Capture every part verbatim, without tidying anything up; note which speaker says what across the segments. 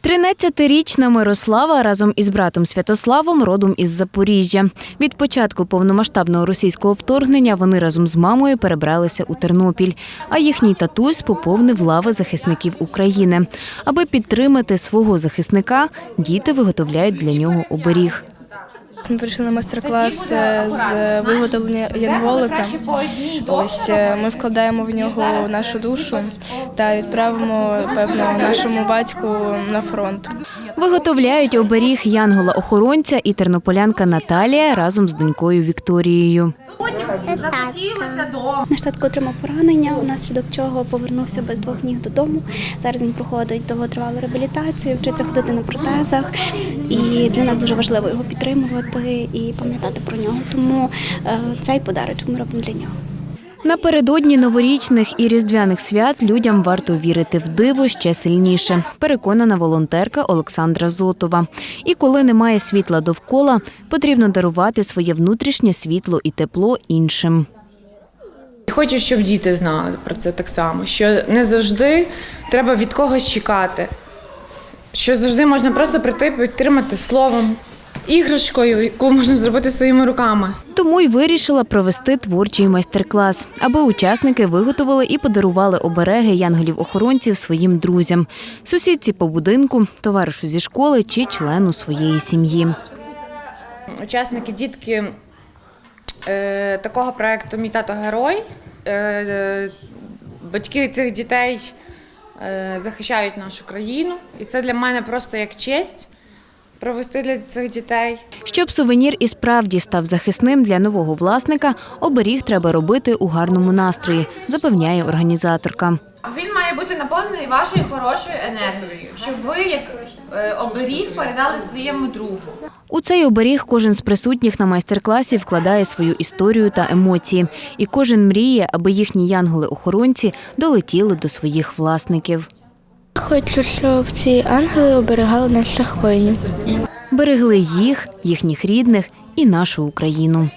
Speaker 1: тринадцятирічна Мирослава разом із братом Святославом родом із Запоріжжя. Від початку повномасштабного російського вторгнення вони разом з мамою перебралися у Тернопіль, а їхній татусь поповнив лави захисників України. Аби підтримати свого захисника, діти виготовляють для нього оберіг.
Speaker 2: Ми прийшли на майстер-клас з виготовлення янголика. Ось ми вкладаємо в нього нашу душу та відправимо, певно, нашому батьку на фронт.
Speaker 1: Виготовляють оберіг янгола-охоронця і тернополянка Наталія разом з донькою Вікторією.
Speaker 3: Наш татко отримав поранення, внаслідок чого повернувся без двох ніг додому. Зараз він проходить довготривалу реабілітацію, вчиться ходити на протезах. І для нас дуже важливо його підтримувати і пам'ятати про нього. Тому цей подарунок ми робимо для нього.
Speaker 1: Напередодні новорічних і різдвяних свят людям варто вірити в диво ще сильніше, переконана волонтерка Олександра Зотова. І коли немає світла довкола, потрібно дарувати своє внутрішнє світло і тепло іншим.
Speaker 4: Хочу, щоб діти знали про це так само, що не завжди треба від когось чекати, що завжди можна просто прийти, підтримати словом, іграшкою, яку можна зробити своїми руками.
Speaker 1: Тому й вирішила провести творчий майстер-клас, аби учасники виготовили і подарували обереги янголів-охоронців своїм друзям, сусідці по будинку, товаришу зі школи чи члену своєї сім'ї.
Speaker 4: Учасники, дітки е, такого проєкту «Мій тато герой», е, батьки цих дітей е, захищають нашу країну, і це для мене просто як честь провести для цих дітей.
Speaker 1: Щоб сувенір і справді став захисним для нового власника, оберіг треба робити у гарному настрої, запевняє організаторка.
Speaker 5: Він має бути наповнений вашою хорошою енергією, щоб ви, як оберіг, передали своєму другу.
Speaker 1: У цей оберіг кожен з присутніх на майстер-класі вкладає свою історію та емоції. І кожен мріє, аби їхні янголи-охоронці долетіли до своїх власників.
Speaker 2: Хочу, щоб ці ангели оберігали наших воїнів.
Speaker 1: Берегли їх, їхніх рідних і нашу Україну.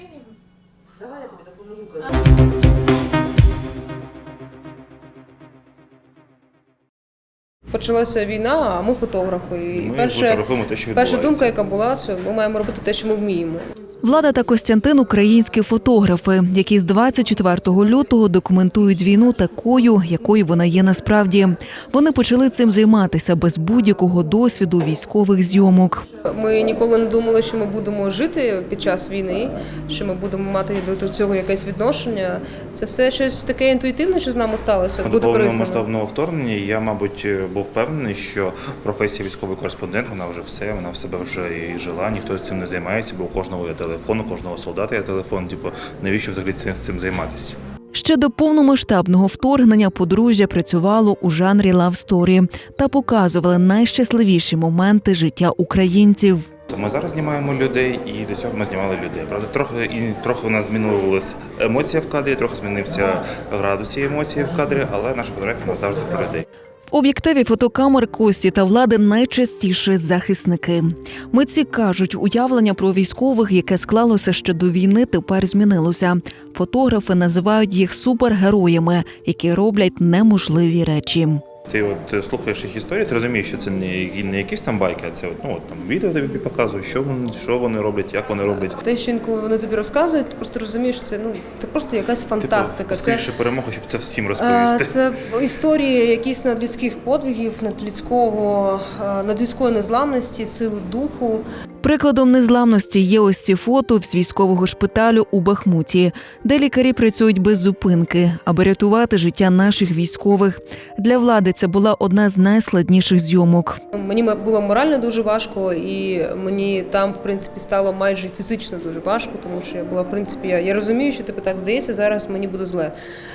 Speaker 6: Почалася війна, а ми фотографи. І
Speaker 7: ми
Speaker 6: перша,
Speaker 7: фотографуємо те, що
Speaker 6: перша думка, яка була, що ми маємо робити те, що ми вміємо.
Speaker 8: Влада та Костянтин – українські фотографи, які з двадцять четвертого лютого документують війну такою, якою вона є насправді. Вони почали цим займатися без будь-якого досвіду військових зйомок.
Speaker 6: Ми ніколи не думали, що ми будемо жити під час війни, що ми будемо мати до цього якесь відношення. Це все щось таке інтуїтивне, що з нами сталося, буде корисно.
Speaker 7: До повномасштабного вторгнення я, мабуть, був впевнений, що професія військовий кореспондент, вона вже все, вона в себе вже і жила, ніхто цим не займається, бо у кожного є телефон, у кожного солдата є телефон, типу, навіщо взагалі цим займатися?
Speaker 8: Ще до повномасштабного вторгнення подружжя працювало у жанрі лав-сторі та показували найщасливіші моменти життя українців.
Speaker 7: Ми зараз знімаємо людей, і до цього ми знімали людей. Правда, трохи і трохи у нас змінилася емоція в кадрі, трохи змінився градус цієї емоції в кадрі, але наша фотографія нас завжди про людей.
Speaker 8: В об'єктиві фотокамер Кості та Влади найчастіше захисники. Митці кажуть, уявлення про військових, яке склалося ще до війни, тепер змінилося. Фотографи називають їх супергероями, які роблять неможливі речі.
Speaker 7: Ти от слухаєш їх історії, ти розумієш, що це не, не якісь там байки, а це от, ну, от, там, відео тобі показують, що вони, що вони роблять, як вони роблять.
Speaker 6: Те, що інколи вони тобі розказують, ти просто розумієш, що це, ну, це просто якась фантастика.
Speaker 7: Типу, скоріше перемога, щоб це всім розповісти.
Speaker 6: Це історії якісь надлюдських подвигів, надлюдського, надлюдської незламності, сили духу.
Speaker 8: Прикладом незламності є ось ці фото з військового шпиталю у Бахмуті, де лікарі працюють без зупинки, аби рятувати життя наших військових. Для Влади це була одна з найскладніших зйомок.
Speaker 6: Мені було морально дуже важко, і мені там, в принципі, стало майже фізично дуже важко, тому що я була, в принципі, я, я розумію, що типу, так здається, зараз мені буде зле.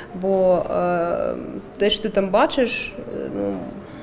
Speaker 6: Бо е, те, що ти там бачиш, ну,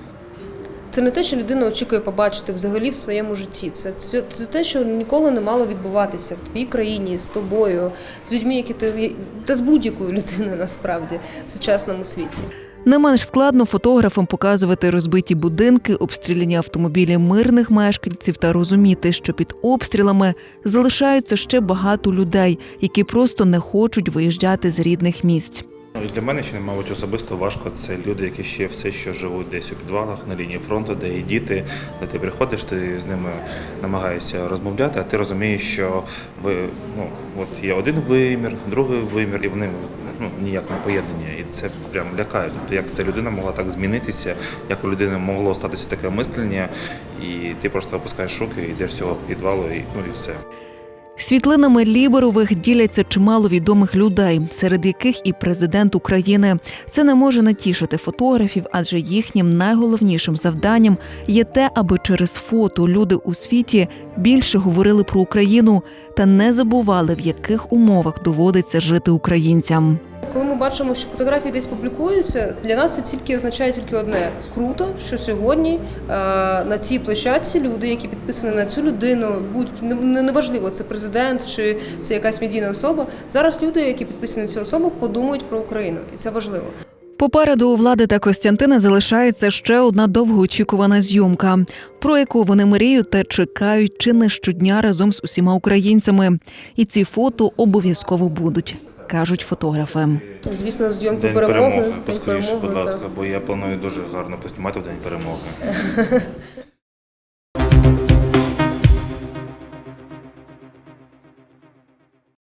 Speaker 6: це не те, що людина очікує побачити взагалі в своєму житті. Це, це, це те, що ніколи не мало відбуватися в твоїй країні, з тобою, з людьми, які ти, та з будь-якою людиною насправді в сучасному світі.
Speaker 8: Не менш складно фотографам показувати розбиті будинки, обстріляні автомобілі мирних мешканців та розуміти, що під обстрілами залишаються ще багато людей, які просто не хочуть виїжджати з рідних місць.
Speaker 7: і для мене ще, мабуть, особисто важко. Це люди, які ще все ще живуть десь у підвалах на лінії фронту, де є діти, де ти приходиш, ти з ними намагаєшся розмовляти, а ти розумієш, що ви, ну, от є один вимір, другий вимір, і вони ну, ніяк не поєднані. І це прям лякає. Тобто, як ця людина могла так змінитися, як у людини могло статися таке мислення, і ти просто опускаєш руки, йдеш з цього підвалу, і, ну, і все.
Speaker 8: Світлинами Ліберових діляться чимало відомих людей, серед яких і президент України. Це не може не тішити фотографів, адже їхнім найголовнішим завданням є те, аби через фото люди у світі більше говорили про Україну та не забували, в яких умовах доводиться жити українцям.
Speaker 6: Коли ми бачимо, що фотографії десь публікуються, для нас це тільки означає тільки одне – круто, що сьогодні е, на цій площадці люди, які підписані на цю людину, будь не- неважливо, це президент чи це якась медійна особа, зараз люди, які підписані на цю особу, подумають про Україну, і це важливо.
Speaker 8: Попереду у Влади та Костянтина залишається ще одна довгоочікувана зйомка, про яку вони мріють та чекають чи не щодня разом з усіма українцями. І ці фото обов'язково будуть, кажуть фотографи.
Speaker 6: Звісно, зйомку
Speaker 7: День
Speaker 6: перемоги.
Speaker 7: перемоги,
Speaker 6: День
Speaker 7: поскоріше, будь
Speaker 6: перемоги,
Speaker 7: ласка,
Speaker 6: так.
Speaker 7: бо я планую дуже гарно поснімати в День перемоги.